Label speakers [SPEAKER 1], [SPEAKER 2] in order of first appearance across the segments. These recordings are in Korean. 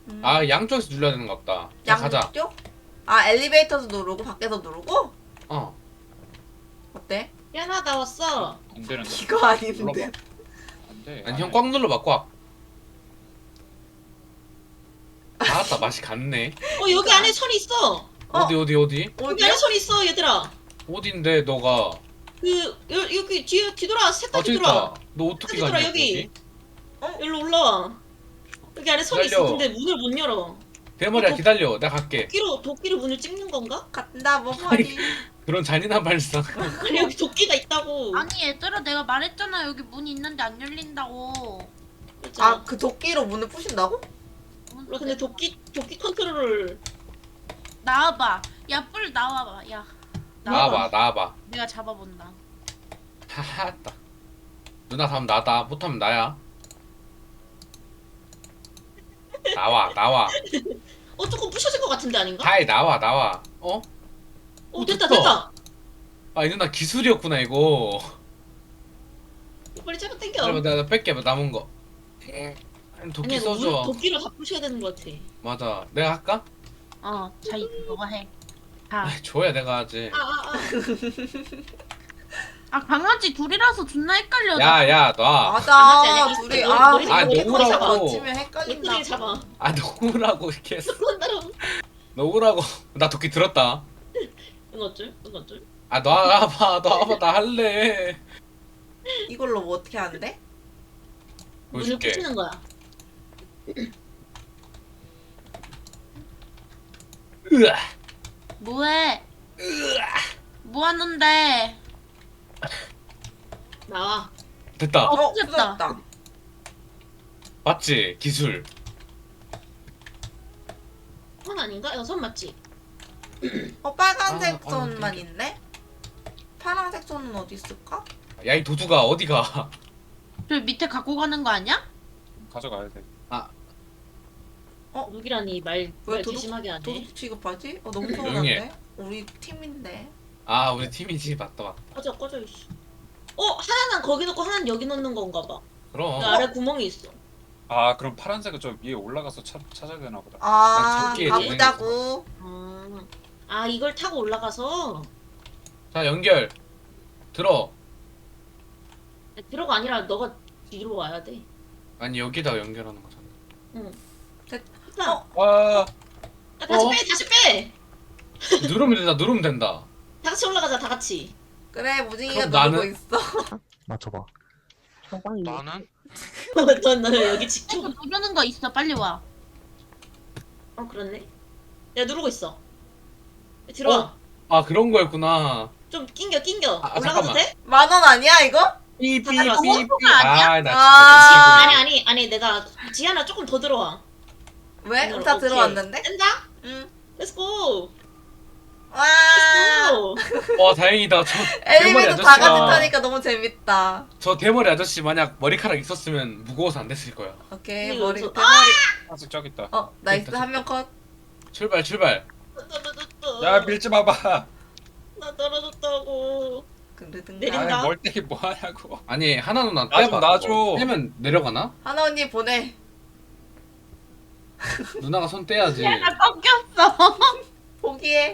[SPEAKER 1] 아 양쪽에서 눌러야 되는 것 같다. 자 가자.
[SPEAKER 2] 양쪽? 아 엘리베이터도 누르고 밖에서 누르고?
[SPEAKER 1] 어.
[SPEAKER 2] 어때?
[SPEAKER 3] 야나 나 왔어.
[SPEAKER 4] 안 되는데.
[SPEAKER 2] 이거 아닌데.
[SPEAKER 4] 눌러봐. 안 돼.
[SPEAKER 1] 아니 형 꽉 눌러봐 꽉. 아따 맛이 갔네.
[SPEAKER 3] 여기 안에 선 있어.
[SPEAKER 1] 어디
[SPEAKER 3] 여기
[SPEAKER 2] 어디야?
[SPEAKER 3] 안에 선 있어 얘들아.
[SPEAKER 1] 어딘데 너가?
[SPEAKER 3] 여기 뒤돌아
[SPEAKER 1] 아
[SPEAKER 3] 색깔
[SPEAKER 1] 저기
[SPEAKER 3] 뒤돌아.
[SPEAKER 1] 있다. 너 어떻게
[SPEAKER 3] 뒤돌아
[SPEAKER 1] 가냐
[SPEAKER 3] 여기.
[SPEAKER 1] 거기?
[SPEAKER 3] 여기로 올라와. 여기 안에 선이 있어.
[SPEAKER 1] 기다려.
[SPEAKER 3] 근데 문을 못 열어.
[SPEAKER 1] 대머리야 기다려. 내가 갈게.
[SPEAKER 3] 도끼로 문을 찍는 건가?
[SPEAKER 2] 간다 뭐 머리.
[SPEAKER 1] 그런 잔인한 발상.
[SPEAKER 3] 아니 여기 도끼가 있다고.
[SPEAKER 5] 아니 얘들아 내가 말했잖아 여기 문 있는데 안 열린다고.
[SPEAKER 3] 그랬잖아.
[SPEAKER 2] 아 그 도끼로 문을 부신다고?
[SPEAKER 3] 근데 도끼 컨트롤을
[SPEAKER 5] 나와봐. 야 뿔 나와봐. 야
[SPEAKER 1] 나와봐.
[SPEAKER 5] 내가 잡아본다.
[SPEAKER 1] 하하따. 누나 다음 나다. 못하면 나야. 나와.
[SPEAKER 3] 조금 부셔진 것 같은데 아닌가?
[SPEAKER 1] 하이 나와. 어?
[SPEAKER 3] 됐다
[SPEAKER 1] 됐다.
[SPEAKER 3] 됐다.
[SPEAKER 1] 아 이 누나 기술이었구나 이거.
[SPEAKER 3] 빨리 잡아 당겨.
[SPEAKER 1] 잠깐만 내가 뺄게 남은 거. 도끼
[SPEAKER 3] 아니야, 이거
[SPEAKER 1] 써줘.
[SPEAKER 3] 도끼로 다 부셔야 되는 것 같아.
[SPEAKER 1] 맞아. 내가 할까?
[SPEAKER 5] 자이 너가 해. 자.
[SPEAKER 1] 줘야 내가 하지.
[SPEAKER 5] 강아지 둘이라서 존나 헷갈려.
[SPEAKER 1] 야야 놔.
[SPEAKER 2] 맞아
[SPEAKER 3] 아니야.
[SPEAKER 2] 둘이
[SPEAKER 3] 머리,
[SPEAKER 2] 아
[SPEAKER 3] 머리,
[SPEAKER 1] 머리 놓으라고.
[SPEAKER 2] 거치면 헷갈린다.
[SPEAKER 3] 꼬투리 잡아.
[SPEAKER 1] 아 놓으라고 이렇게 했어.
[SPEAKER 3] 따라.
[SPEAKER 1] 놓으라고. 나 도끼 들었다.
[SPEAKER 3] 응 어쩔?
[SPEAKER 1] 아 놔봐 나 할래.
[SPEAKER 2] 이걸로 뭐 어떻게 하는데?
[SPEAKER 3] 문을
[SPEAKER 1] 보여줄게.
[SPEAKER 3] 부시는 거야.
[SPEAKER 1] 으아.
[SPEAKER 5] 뭐해? 뭐 하는데?
[SPEAKER 3] 나와.
[SPEAKER 1] 됐다.
[SPEAKER 5] 부셨다.
[SPEAKER 2] 부셨다.
[SPEAKER 1] 맞지 기술.
[SPEAKER 3] 선 아닌가? 이거 선 맞지?
[SPEAKER 2] 빨간색
[SPEAKER 1] 아,
[SPEAKER 2] 선만
[SPEAKER 1] 땡겨.
[SPEAKER 2] 있네? 파란색 선은 어디 있을까?
[SPEAKER 1] 야 이 도두가 어디가?
[SPEAKER 5] 저 밑에 갖고 가는 거 아니야?
[SPEAKER 4] 가져가야 돼.
[SPEAKER 3] 누기라니 말
[SPEAKER 2] 왜
[SPEAKER 3] 조심하게 하네.
[SPEAKER 2] 도둑 취급하지? 너무
[SPEAKER 1] 조용히 해.
[SPEAKER 2] 서운한데? 우리 팀인데.
[SPEAKER 1] 아 우리 팀이지 맞다.
[SPEAKER 3] 꺼져 이씨. 하나는 거기 넣고 하나는 여기 넣는 건가 봐.
[SPEAKER 1] 그럼.
[SPEAKER 3] 그 아래 구멍이 있어.
[SPEAKER 4] 아 그럼 파란색은 저 위에 올라가서 찾아야 되나 보다.
[SPEAKER 2] 아
[SPEAKER 1] 저기에
[SPEAKER 2] 가보자고.
[SPEAKER 3] 이걸 타고 올라가서
[SPEAKER 1] 자 연결. 들어.
[SPEAKER 3] 들어가 아니라 너가 뒤로 와야 돼.
[SPEAKER 1] 아니 여기다가 연결하는 거잖아.
[SPEAKER 3] 됐다.
[SPEAKER 4] 아
[SPEAKER 3] 야, 다시
[SPEAKER 1] 어?
[SPEAKER 3] 다시 빼.
[SPEAKER 1] 누르면 된다.
[SPEAKER 3] 다 같이 올라가자 다 같이.
[SPEAKER 2] 그래 무진이가
[SPEAKER 1] 그럼
[SPEAKER 2] 누르고
[SPEAKER 1] 나는?
[SPEAKER 2] 있어.
[SPEAKER 6] 맞춰봐.
[SPEAKER 4] 나는
[SPEAKER 3] 너 여기 지켜.
[SPEAKER 5] 이거 누르는 거 있어. 빨리 와.
[SPEAKER 3] 그렇네. 내가 누르고 있어. 들어와.
[SPEAKER 1] 아 그런 거였구나.
[SPEAKER 3] 좀 낑겨.
[SPEAKER 1] 아,
[SPEAKER 3] 올라가도
[SPEAKER 1] 잠깐만.
[SPEAKER 3] 돼?
[SPEAKER 2] 10,000원 아니야 이거?
[SPEAKER 1] 삐삐삐삐.
[SPEAKER 5] 아니야?
[SPEAKER 1] 아나
[SPEAKER 2] 아.
[SPEAKER 1] 진짜
[SPEAKER 3] 아니 내가 지하나 조금 더 들어와.
[SPEAKER 2] 왜?
[SPEAKER 3] 오늘
[SPEAKER 2] 다
[SPEAKER 3] 오케이.
[SPEAKER 2] 들어왔는데?
[SPEAKER 3] 된다?
[SPEAKER 2] 응.
[SPEAKER 3] Let's go.
[SPEAKER 2] 와.
[SPEAKER 3] Let's go.
[SPEAKER 1] 와 다행이다. 저
[SPEAKER 2] 엘리베이터
[SPEAKER 1] 대머리
[SPEAKER 2] 다 같이
[SPEAKER 1] 아저씨가
[SPEAKER 2] 타니까 너무 재밌다.
[SPEAKER 1] 저 대머리 아저씨 만약 머리카락 있었으면 무거워서 안 됐을 거야.
[SPEAKER 2] 오케이
[SPEAKER 3] 이거
[SPEAKER 2] 머리
[SPEAKER 3] 저-
[SPEAKER 2] 대머리.
[SPEAKER 4] 아직 저기 있다.
[SPEAKER 2] 나이스
[SPEAKER 1] 됐다,
[SPEAKER 2] 한 명 컷.
[SPEAKER 1] 출발.
[SPEAKER 4] 야 밀지 마봐.
[SPEAKER 3] 나 떨어졌다고.
[SPEAKER 2] 그러든가.
[SPEAKER 3] 내린다.
[SPEAKER 4] 아이 멀때기 뭐 하냐고.
[SPEAKER 1] 아니 하나 누나
[SPEAKER 4] 나 좀
[SPEAKER 1] 떼봐.
[SPEAKER 4] 놔줘.
[SPEAKER 1] 그거. 떼면 내려가나?
[SPEAKER 2] 하나 언니 보내.
[SPEAKER 1] 누나가 손 떼야지.
[SPEAKER 5] 야, 나 꺾였어.
[SPEAKER 2] 포기해.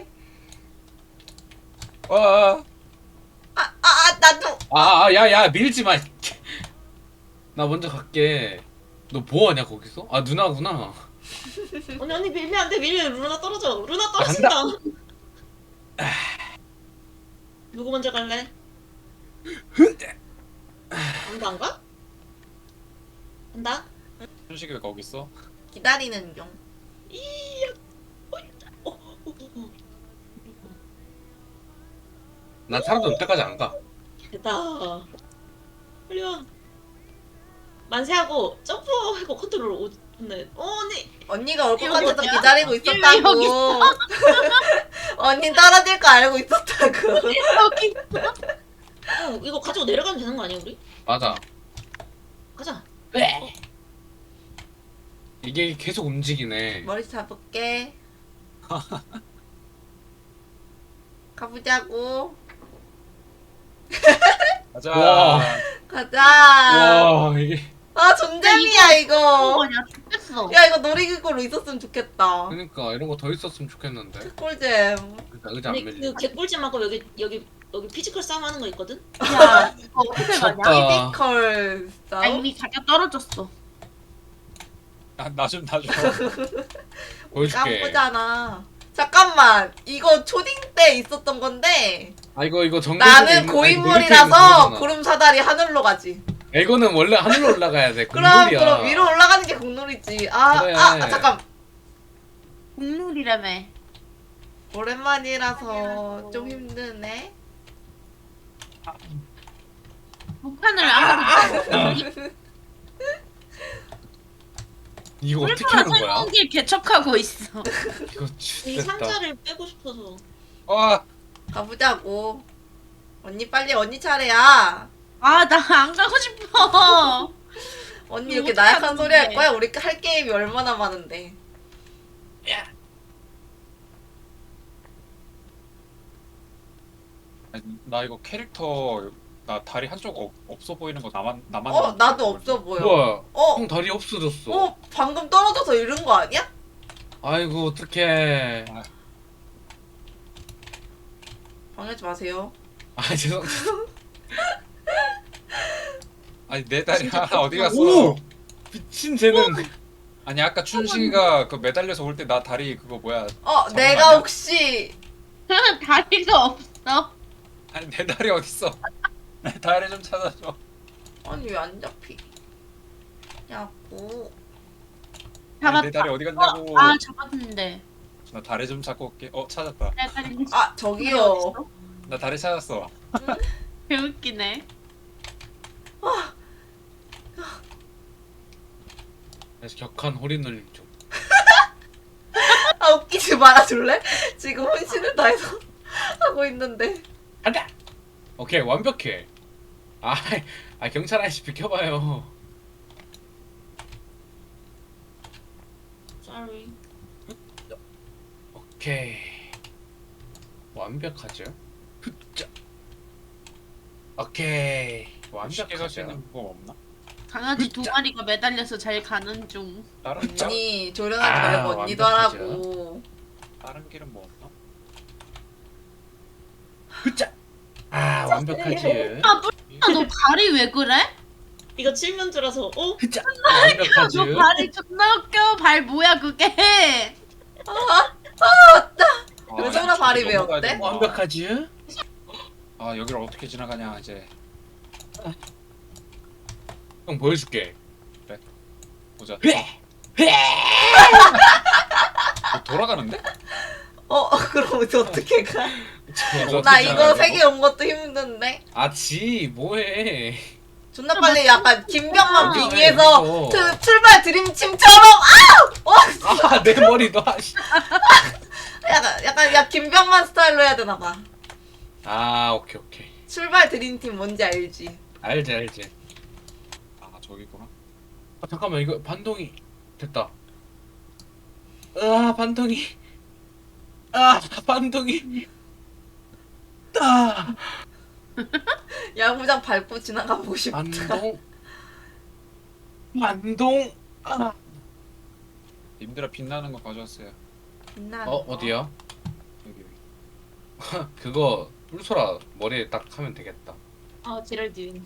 [SPEAKER 4] 와.
[SPEAKER 2] 나도.
[SPEAKER 1] 야야 밀지 마. 나 먼저 갈게. 너 뭐하냐 거기서? 아 누나구나.
[SPEAKER 3] 언니 밀면 안 돼. 밀면 루나 떨어져. 루나 떨어진다. 누구 먼저 갈래? 안 가? 간다?
[SPEAKER 4] 현식이 왜 거기 있어?
[SPEAKER 2] 기다리는 중.
[SPEAKER 1] 난 사람들 올 때까지 안 가.
[SPEAKER 3] 됐다. 빨리 와. 만세하고 점프하고 컨트롤 오네. 언니.
[SPEAKER 2] 언니가 올
[SPEAKER 5] 여기
[SPEAKER 2] 것같아서
[SPEAKER 5] 어디야?
[SPEAKER 2] 기다리고
[SPEAKER 5] 여기
[SPEAKER 2] 있었다고. 언니 떨어질 거 알고 있었다고.
[SPEAKER 5] 여기
[SPEAKER 3] 이거 가지고 내려가면 되는 거 아니야 우리?
[SPEAKER 1] 맞아.
[SPEAKER 3] 가자.
[SPEAKER 1] 이게 계속 움직이네.
[SPEAKER 2] 머리 잡을게. 가보자고.
[SPEAKER 4] 가자.
[SPEAKER 1] 와.
[SPEAKER 2] 가자.
[SPEAKER 1] 와 이게
[SPEAKER 2] 아 존재미야 이거.
[SPEAKER 5] 뭐냐 죽겠어.
[SPEAKER 2] 야 이거 놀이기구로 있었으면 좋겠다.
[SPEAKER 1] 그러니까 이런 거 더 있었으면 좋겠는데.
[SPEAKER 2] 꿀잼.
[SPEAKER 1] 그러니까 의자 안
[SPEAKER 3] 근데
[SPEAKER 1] 밀리네.
[SPEAKER 3] 그 개꿀잼하고 여기 피지컬 싸움 하는 거 있거든?
[SPEAKER 5] 야 이거 어떻게 가냐?
[SPEAKER 1] 졌다.
[SPEAKER 2] 피지컬
[SPEAKER 5] 나
[SPEAKER 2] 싸움?
[SPEAKER 5] 이미 자기가 떨어졌어.
[SPEAKER 4] 나좀
[SPEAKER 1] 보여줄게.
[SPEAKER 2] 깜쁘잖아. 잠깐만 이거 초딩 때 있었던 건데
[SPEAKER 1] 아 이거 정글.
[SPEAKER 2] 나는 고인물이라서 구름 사다리 하늘로 가지.
[SPEAKER 1] 이거는 원래 하늘로 올라가야 돼.
[SPEAKER 2] 그럼
[SPEAKER 1] 국룰이야.
[SPEAKER 2] 그럼 위로 올라가는 게 국룰이지. 아,
[SPEAKER 1] 그래.
[SPEAKER 2] 잠깐
[SPEAKER 5] 국룰이라며.
[SPEAKER 2] 오랜만이라서 좀 힘드네.
[SPEAKER 5] 북한을 아무도
[SPEAKER 1] 이거 어떻게 하는 거야?
[SPEAKER 5] 설국이 개척하고 있어.
[SPEAKER 1] 이거
[SPEAKER 3] 이
[SPEAKER 1] 죽겠다.
[SPEAKER 3] 상자를 빼고 싶어서.
[SPEAKER 4] 아
[SPEAKER 2] 가보자고. 언니 빨리 언니 차례야.
[SPEAKER 5] 아 나 안 가고 싶어.
[SPEAKER 2] 언니
[SPEAKER 5] 이거
[SPEAKER 2] 이렇게
[SPEAKER 5] 어떻게
[SPEAKER 2] 나약한
[SPEAKER 5] 하는
[SPEAKER 2] 소리 할
[SPEAKER 5] 건데?
[SPEAKER 2] 거야? 우리 할 게임이 얼마나 많은데.
[SPEAKER 4] 나 이거 캐릭터 나 다리 한쪽 없어 보이는 거 나만
[SPEAKER 2] 나도 없어 보여.
[SPEAKER 1] 뭐야?
[SPEAKER 2] 어?
[SPEAKER 1] 형 다리 없어졌어.
[SPEAKER 2] 방금 떨어져서 이런 거 아니야?
[SPEAKER 1] 아이고 어떡해.
[SPEAKER 2] 방해하지 마세요.
[SPEAKER 1] 아 죄송.
[SPEAKER 4] 아니 내 다리 하나 어디 갔어?
[SPEAKER 1] 오! 미친 재능.
[SPEAKER 4] 아니 아까 춘식이가 그 매달려서 올 때 나 다리 그거 뭐야?
[SPEAKER 2] 내가
[SPEAKER 4] 거 아니야?
[SPEAKER 2] 혹시
[SPEAKER 5] 다리가 없어.
[SPEAKER 4] 아니 내 다리 어딨어? 내 다리 좀 찾아줘.
[SPEAKER 2] 아니 왜 안 잡히냐고.
[SPEAKER 5] 잡았다.
[SPEAKER 4] 내 다리 어디 갔냐고.
[SPEAKER 5] 아 잡았는데.
[SPEAKER 4] 나 다리 좀 찾고 올게. 찾았다.
[SPEAKER 5] 내 다리
[SPEAKER 2] 저기요.
[SPEAKER 4] 나 다리 찾았어.
[SPEAKER 5] 개웃기네.
[SPEAKER 1] 그래서 격한 허리 눌림 중.
[SPEAKER 2] 웃기지 말아줄래? 지금 혼신을 다해서 하고 있는데.
[SPEAKER 1] 간다. 오케이 완벽해. 아 경찰 아저씨 비켜봐요.
[SPEAKER 3] Sorry.
[SPEAKER 1] 오케이 완벽하죠. 흡자. 오케이
[SPEAKER 4] 쉽게 갈 수
[SPEAKER 1] 완벽하죠.
[SPEAKER 4] 있는 방법 없나?
[SPEAKER 5] 강아지 두 마리가 매달려서 잘 가는 중.
[SPEAKER 4] 다른
[SPEAKER 2] 언니 조련하지 말고 언니도
[SPEAKER 1] 완벽하죠.
[SPEAKER 2] 하라고.
[SPEAKER 4] 다른 길은 뭐 없나?
[SPEAKER 1] 흡자. 완벽하지.
[SPEAKER 5] 너 발이 왜 그래?
[SPEAKER 3] 이거 칠면조라서
[SPEAKER 1] 흡자.
[SPEAKER 5] 너
[SPEAKER 1] 완벽하지.
[SPEAKER 5] 발이 존나 웃겨. 발 뭐야 그게?
[SPEAKER 2] 왜 저런 발이 왜
[SPEAKER 4] 넘어가야
[SPEAKER 2] 어때?
[SPEAKER 4] 되나?
[SPEAKER 1] 완벽하지.
[SPEAKER 4] 아 여기를 어떻게 지나가냐 이제.
[SPEAKER 1] 형 보여줄게.
[SPEAKER 4] 보자. 돌아가는데?
[SPEAKER 2] 그럼 이제 어떻게 가?
[SPEAKER 1] 저거
[SPEAKER 2] 나
[SPEAKER 1] 어떻게
[SPEAKER 2] 이거
[SPEAKER 1] 알아,
[SPEAKER 2] 세 개 온 것도 힘든데.
[SPEAKER 1] 아지 뭐해?
[SPEAKER 2] 존나 빨리 약간 김병만
[SPEAKER 1] 아,
[SPEAKER 2] 빙의해서
[SPEAKER 1] 이거.
[SPEAKER 2] 출발 드림침처럼
[SPEAKER 1] 내 머리도 하시.
[SPEAKER 2] 약간 야 김병만 스타일로 해야 되나 봐.
[SPEAKER 1] 오케이.
[SPEAKER 2] 출발 드림팀 뭔지 알지?
[SPEAKER 1] 알지.
[SPEAKER 4] 아 저기구나.
[SPEAKER 1] 잠깐만 이거 반동이 됐다. 반동이. 반동이.
[SPEAKER 2] 야구장 밟고 지나가 보고 싶다.
[SPEAKER 1] 반동.
[SPEAKER 4] 님들아 빛나는 거 가져왔어요.
[SPEAKER 2] 빛나는
[SPEAKER 1] 어디야?
[SPEAKER 4] 여기.
[SPEAKER 1] 그거 뿔소라 머리에 딱 하면 되겠다.
[SPEAKER 3] 아 제랄딘.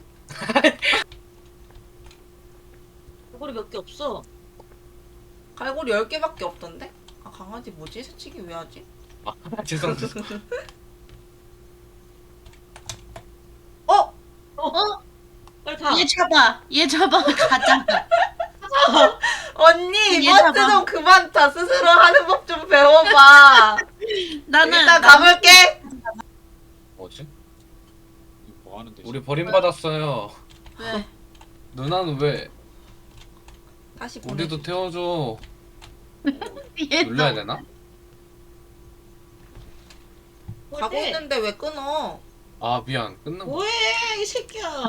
[SPEAKER 3] 얼굴이 몇 개 없어.
[SPEAKER 2] 갈고리 10개밖에 없던데? 강아지 뭐지? 새치기 왜 하지?
[SPEAKER 1] 죄송.
[SPEAKER 3] 빨리 가.
[SPEAKER 5] 얘 잡아 가자.
[SPEAKER 2] 언니
[SPEAKER 5] 얘
[SPEAKER 2] 이번
[SPEAKER 5] 잡아.
[SPEAKER 2] 좀 그만 다 스스로 하는 법 좀 배워봐.
[SPEAKER 5] 나는
[SPEAKER 2] 일단 가볼게.
[SPEAKER 1] 뭐지?
[SPEAKER 4] 이거 뭐 하는데?
[SPEAKER 1] 우리 버림받았어요.
[SPEAKER 5] 왜?
[SPEAKER 1] 누나는 왜?
[SPEAKER 2] 다시 보내.
[SPEAKER 1] 우리도 태워줘.
[SPEAKER 5] 얘
[SPEAKER 1] 눌러야 되나?
[SPEAKER 2] 가고 있는데 왜 끊어?
[SPEAKER 1] 미안. 끊는 거.
[SPEAKER 3] 뭐해 이 새끼야.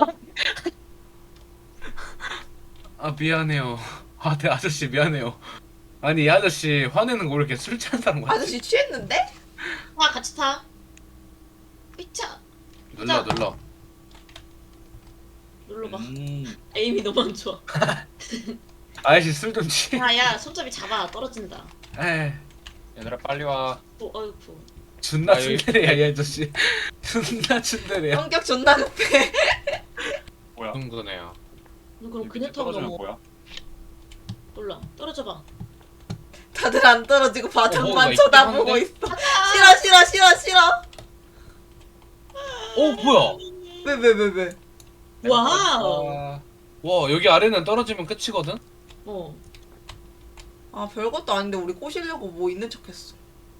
[SPEAKER 1] 미안해요. 네 아저씨 미안해요. 아니 이 아저씨 화내는 거 왜 이렇게 술 취한 사람 같지?
[SPEAKER 2] 아저씨 취했는데?
[SPEAKER 3] 아 같이 타. 삐차.
[SPEAKER 1] 눌러.
[SPEAKER 3] 눌러봐.
[SPEAKER 4] 음.
[SPEAKER 3] 에임이 너무 안 좋아.
[SPEAKER 1] 아저씨 술 좀 취.
[SPEAKER 3] 야야 손잡이 잡아 떨어진다.
[SPEAKER 1] 에이,
[SPEAKER 4] 얘들아 빨리 와.
[SPEAKER 3] 어이구.
[SPEAKER 1] 존나
[SPEAKER 4] 아, 여기-
[SPEAKER 1] 츤데레야 이 아저씨. 존나 츤데레야.
[SPEAKER 2] 성격 존나 급해.
[SPEAKER 4] 뭐야?
[SPEAKER 1] 그런 거네요.
[SPEAKER 3] 너 그럼
[SPEAKER 4] 이
[SPEAKER 3] 그네
[SPEAKER 4] 밑에
[SPEAKER 3] 타고
[SPEAKER 4] 떨어지면
[SPEAKER 3] 넘어.
[SPEAKER 4] 뭐야?
[SPEAKER 3] 몰라. 떨어져봐.
[SPEAKER 2] 다들 안 떨어지고
[SPEAKER 1] 뭐가
[SPEAKER 2] 바닥만
[SPEAKER 1] 있긴
[SPEAKER 2] 쳐다보고
[SPEAKER 1] 한데?
[SPEAKER 2] 있어. 싫어 싫어 싫어 싫어.
[SPEAKER 1] 뭐야?
[SPEAKER 2] 왜?
[SPEAKER 3] 와우.
[SPEAKER 4] 아,
[SPEAKER 1] 와 여기 아래는 떨어지면 끝이거든?
[SPEAKER 3] 어.
[SPEAKER 2] 아 별것도 아닌데 우리 꼬시려고 뭐 있는 척했어.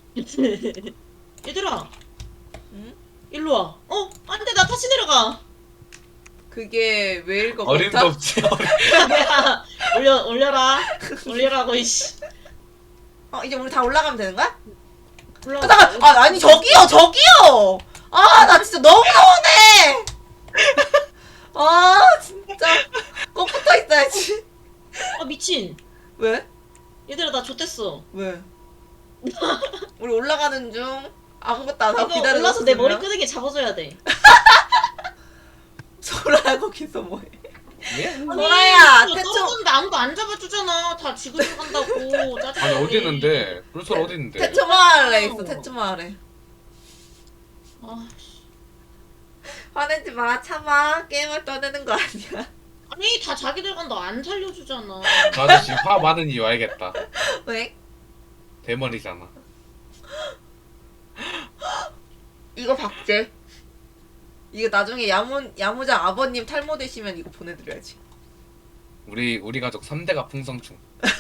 [SPEAKER 3] 얘들아.
[SPEAKER 2] 응?
[SPEAKER 3] 일로 와. 안돼 나 다시 내려가.
[SPEAKER 2] 그게 왜일 것
[SPEAKER 1] 어림도
[SPEAKER 2] 같아?
[SPEAKER 1] 없지.
[SPEAKER 3] 야 올려라. 올려라고 이씨.
[SPEAKER 2] 이제 우리 다 올라가면 되는 거야?
[SPEAKER 3] 올라가.
[SPEAKER 2] 잠깐. 아니 저기요. 아 나 진짜 너무 서운해. 아 진짜 꼭 붙어 있어야지.
[SPEAKER 3] 미친.
[SPEAKER 2] 왜?
[SPEAKER 3] 얘들아 나 좆됐어.
[SPEAKER 2] 왜? 우리 올라가는 중 아무것도 안 하고
[SPEAKER 3] 이거
[SPEAKER 2] 기다리고
[SPEAKER 3] 올라서 내 머리
[SPEAKER 2] 있으면?
[SPEAKER 3] 끄덕이 잡아줘야 돼.
[SPEAKER 2] 소라야 거기서 뭐해?
[SPEAKER 1] 예?
[SPEAKER 2] 소라야
[SPEAKER 3] 이거
[SPEAKER 2] 태초
[SPEAKER 3] 떨어졌는데 아무도 안 잡아주잖아. 다 지고 들어간다고. 짜증나.
[SPEAKER 1] 아니 어디 있는데? 불솔 어디 있는데?
[SPEAKER 2] 태초 마을에 있어. 태초 마을에.
[SPEAKER 3] 아,
[SPEAKER 2] 화내지 마. 참아. 게임을 떠내는 거 아니야.
[SPEAKER 3] 아니 다 자기들 간다 안 살려주잖아.
[SPEAKER 1] 그 아저씨 화 많은 이유 알겠다.
[SPEAKER 2] 왜?
[SPEAKER 1] 대머리잖아.
[SPEAKER 2] 이거 박제. 이거 나중에 야무장 아버님 탈모 되시면 이거 보내드려야지.
[SPEAKER 1] 우리 가족 3대가 풍성충.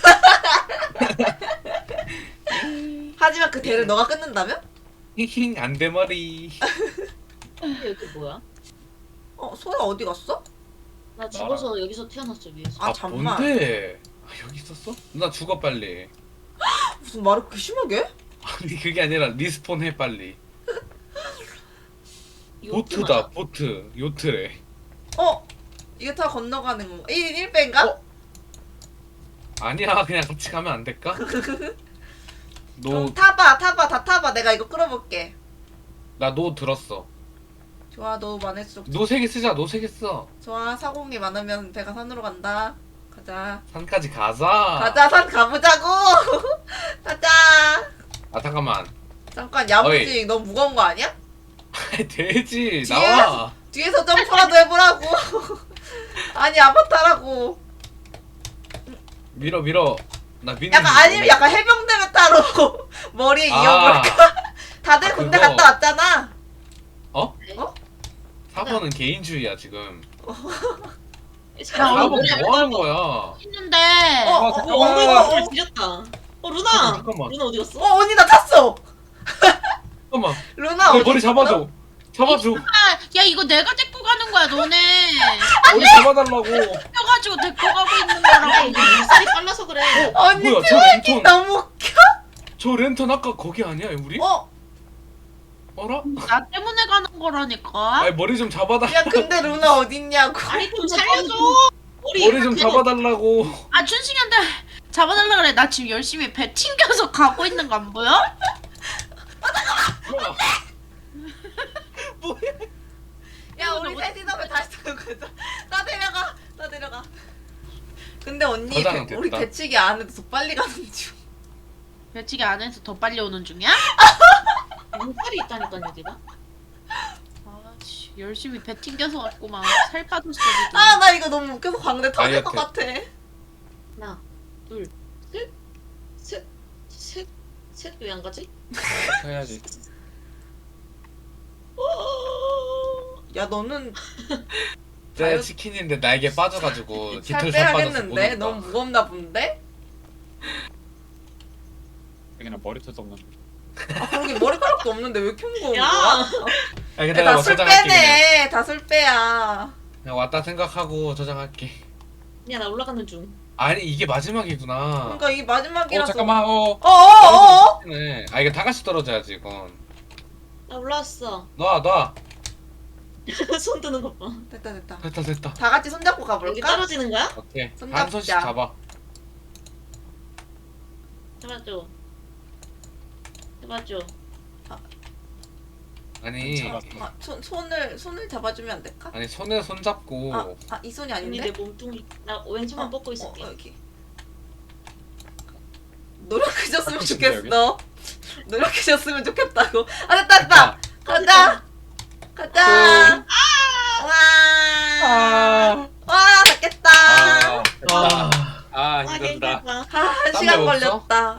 [SPEAKER 2] 하지만 그 대를 너가 끊는다며?
[SPEAKER 1] 히힝 안 대머리.
[SPEAKER 3] 여기 뭐야?
[SPEAKER 2] 소라 어디 갔어?
[SPEAKER 3] 나 죽어서 여기서 태어났어 위에서.
[SPEAKER 2] 아, 잠만.
[SPEAKER 1] 뭔데? 여기 있었어? 누나 죽어 빨리.
[SPEAKER 2] 무슨 말을 그렇게 심하게?
[SPEAKER 1] 아니 그게 아니라 리스폰 해 빨리. 보트다 보트 요트래.
[SPEAKER 2] 이거 타 건너가는 건가? 1인 1배인가?
[SPEAKER 1] 아니야 그냥 같이 가면 안 될까? 너
[SPEAKER 2] 좀 타봐 다 타봐. 내가 이거 끌어볼게.
[SPEAKER 1] 나 노 들었어.
[SPEAKER 2] 좋아 너 많을수록
[SPEAKER 1] 노 3개 쓰자. 노 3개 써.
[SPEAKER 2] 좋아. 사공이 많으면 배가 산으로 간다. 가자.
[SPEAKER 1] 산까지 가자.
[SPEAKER 2] 가자 산 가보자고. 가자.
[SPEAKER 1] 아 잠깐만.
[SPEAKER 2] 잠깐 야무지
[SPEAKER 1] 어이.
[SPEAKER 2] 너무 무거운 거 아니야?
[SPEAKER 1] 돼지
[SPEAKER 2] 뒤에-
[SPEAKER 1] 나와.
[SPEAKER 2] 뒤에서 점프라도 해보라고. 아니 아바타라고.
[SPEAKER 1] 밀어. 나 미는.
[SPEAKER 2] 약간 아니면 약간 해병대 메타로 머리에 이어볼까? 다들
[SPEAKER 1] 아,
[SPEAKER 2] 군대
[SPEAKER 1] 그거.
[SPEAKER 2] 갔다 왔잖아.
[SPEAKER 1] 어?
[SPEAKER 2] 어?
[SPEAKER 1] 4번은 개인주의야 지금.
[SPEAKER 5] 야,
[SPEAKER 1] 4번 뭐 하는 거야?
[SPEAKER 5] 했는데
[SPEAKER 3] 엉덩이가
[SPEAKER 2] 어.
[SPEAKER 3] 뭘 지렸다. 루나.
[SPEAKER 1] 잠깐만.
[SPEAKER 3] 루나 어디 갔어?
[SPEAKER 2] 언니 나 탔어.
[SPEAKER 1] 잠깐만.
[SPEAKER 2] 루나
[SPEAKER 1] 내
[SPEAKER 2] 어디
[SPEAKER 1] 머리
[SPEAKER 2] 있어?
[SPEAKER 1] 잡아줘. 잡아줘.
[SPEAKER 5] 야 이거 내가 데리고 가는 거야 너네
[SPEAKER 1] 머리 잡아달라고.
[SPEAKER 5] 펴가지고 데리고 가고 있는
[SPEAKER 3] 아
[SPEAKER 5] 거라고
[SPEAKER 3] 이게 물살이 빨라서 그래.
[SPEAKER 2] 언니
[SPEAKER 1] 뭐야, 저
[SPEAKER 2] 트월킹
[SPEAKER 1] 랜턴.
[SPEAKER 2] 너무 웃겨.
[SPEAKER 1] 저 랜턴 아까 거기 아니야 우리? 어라?
[SPEAKER 5] 나 때문에 가는 거라니까
[SPEAKER 1] 아니 머리 좀 잡아달라.
[SPEAKER 2] 야 근데 루나 어딨냐고.
[SPEAKER 3] 아니 좀 살려줘.
[SPEAKER 1] 머리 좀 잡아달라고.
[SPEAKER 5] 아 춘식이한테 잡아달라 그래 나 지금 열심히 배 튕겨서 가고 있는 거 안 보여?
[SPEAKER 1] 뭐야? 뭐야?
[SPEAKER 2] 야 우리 셋이서 배 다시 타고 가자. 나 데려가. 근데 언니
[SPEAKER 1] 저장은
[SPEAKER 2] 우리
[SPEAKER 1] 됐다.
[SPEAKER 2] 배치기 안 해도 더 빨리 가는 중.
[SPEAKER 5] 배치기 안에서 더 빨리 오는 중이야?
[SPEAKER 3] 물살이 있다니까 여기가.
[SPEAKER 5] 아씨 열심히 배 튕겨서 왔구만 살 빠졌어 지금
[SPEAKER 2] 아 나 이거 너무 웃겨서 광대 터질 것 같아.
[SPEAKER 3] 하나, 둘, 셋 왜 안 가지?
[SPEAKER 4] 해야지.
[SPEAKER 2] 야 너는
[SPEAKER 1] 제 치킨인데 날개 빠져가지고
[SPEAKER 2] 살
[SPEAKER 1] 깃털 살 빠져서 못
[SPEAKER 2] 빼야겠는데?
[SPEAKER 1] 온다.
[SPEAKER 2] 너무 무겁나 본데?
[SPEAKER 4] 여기는 머리털도 없는데.
[SPEAKER 2] 아 그러게 머리카락도 없는데 왜 이렇게 무거운
[SPEAKER 3] 야.
[SPEAKER 2] 거야?
[SPEAKER 1] 아 근데
[SPEAKER 2] 다
[SPEAKER 1] 나
[SPEAKER 2] 술
[SPEAKER 1] 저장할게 그냥.
[SPEAKER 2] 빼네. 다 술 빼야.
[SPEAKER 1] 그냥 왔다 생각하고 저장할게.
[SPEAKER 3] 야 나 올라가는 중.
[SPEAKER 1] 아니 이게 마지막이구나.
[SPEAKER 2] 그러니까 이게 마지막이라서.
[SPEAKER 4] 잠깐만.
[SPEAKER 2] 어어어.
[SPEAKER 1] 네. 아 이게 다 같이 떨어져야지 이건.
[SPEAKER 3] 나 올라왔어.
[SPEAKER 1] 놔.
[SPEAKER 3] 손 드는 것 봐.
[SPEAKER 2] 됐다.
[SPEAKER 1] 됐다.
[SPEAKER 2] 다 같이 손잡고
[SPEAKER 3] 여기
[SPEAKER 2] 가볼까?
[SPEAKER 3] 떨어지는 거야?
[SPEAKER 1] 오케이.
[SPEAKER 2] 손잡자.
[SPEAKER 1] 한 손씩 잡아.
[SPEAKER 3] 잡아줘.
[SPEAKER 1] 아니
[SPEAKER 4] 잡았어.
[SPEAKER 2] 손을 잡아주면 안 될까?
[SPEAKER 1] 아니 손에 손 잡고
[SPEAKER 2] 이 손이
[SPEAKER 3] 언니
[SPEAKER 2] 아닌데?
[SPEAKER 3] 내 몸뚱이 나 왼손만 뻗고 있을게.
[SPEAKER 2] 여기. 노력하셨으면
[SPEAKER 4] 진짜
[SPEAKER 2] 좋겠어. 노력하셨으면 좋겠다고. 됐다. 가자. 가자. 와, 닫겠다.
[SPEAKER 4] 아,
[SPEAKER 1] 아
[SPEAKER 4] 힘들다.
[SPEAKER 3] 아,
[SPEAKER 2] 한
[SPEAKER 1] 딴
[SPEAKER 2] 시간
[SPEAKER 1] 데 없어?
[SPEAKER 2] 걸렸다.